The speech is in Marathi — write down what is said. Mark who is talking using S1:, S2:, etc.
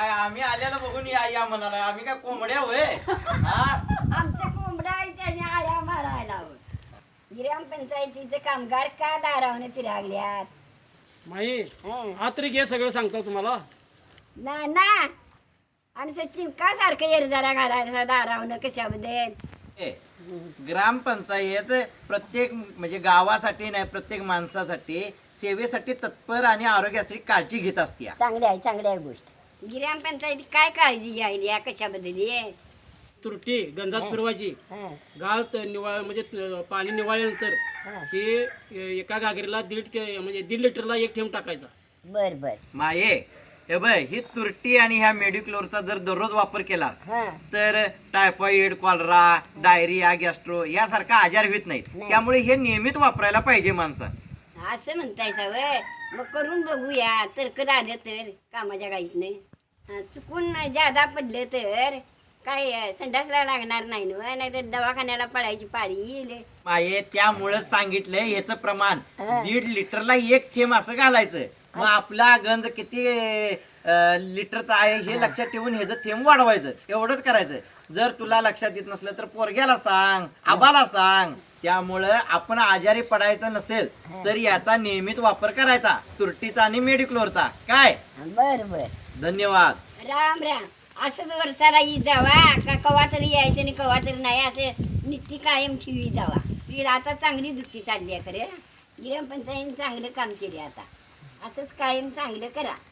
S1: काय आम्ही आल्याला बघून या या म्हणाला, आम्ही काय कोंबड्या होय? हा
S2: आमच्या कोंबड्या आहे त्याने आळ्या मारायला हवं. ग्रामपंचायतीचे कामगार का दारावने फिरागल्यात?
S3: माई
S2: हं.
S3: हा तरी घे सगळं सांगतो तुम्हाला.
S2: ना आणि सचिन का सारखं येरजारा घालायचा दारावनं कशाबद्दल?
S1: ए, ग्रामपंचायत प्रत्येक म्हणजे गावासाठी नाही, प्रत्येक माणसासाठी सेवेसाठी तत्पर आणि आरोग्यासाठी काळजी घेत असते.
S2: चांगली आहे गोष्ट. ग्रामपंचायती काय काळजी घ्यायली या कशाबद्दल?
S3: तुरटी गंजात फिरवायची,
S2: हं,
S3: गाळ निवाळ म्हणजे पाणी निवाळल्यानंतर
S2: हं.
S3: हे एका गागरीला म्हणजे 1.5 लिटरला 1 थेंब टाकायचा.
S2: बर
S1: माये हे बघ, ही तुरटी आणि ह्या मेडिक्लोरचा जर दररोज वापर केला
S2: हं.
S1: तर टायफॉइड, कॉलरा, डायरिया, गॅस्ट्रो यासारखा आजार होत नाहीत.
S2: नाही.
S1: त्यामुळे हे नियमित वापरायला पाहिजे माणसं.
S2: असं म्हणताय सवय, मग करून बघूया. सरकत आलं तर कामाच्या गाईतनं चुकून जादा पडलं तर काय संडासला लागणार नाही ना, नाही तर दवाखान्याला पडायची पाळी येईल.
S1: माये त्यामुळेच सांगितलंय ह्याचं प्रमाण
S2: हं.
S1: 1.5 लिटरला 1 थेंब असं घालायचं. मग आपला गंज किती लिटरचा आहे हे लक्षात ठेवून ह्याचं थेंब वाढवायचं. एवढंच करायचं. जर तुला लक्षात येत नसलं तर पोरग्याला सांग, आबाला सांग. त्यामुळं आपण आजारी पडायचं नसेल तर याचा नियमित वापर करायचा, तुरटीचा आणि मेडिक्लोरचा. काय?
S2: बर
S1: धन्यवाद.
S2: राम असंच वर्षाला येत जावा का कवा तरी यायचं आणि कवा तरी नाही, असं नित्य कायम ठेवी जावा. ती आता चांगली दुःखी चालली आहे खरं. ग्रामपंचायतीने चांगलं काम केले. आता असंच कायम चांगलं करा.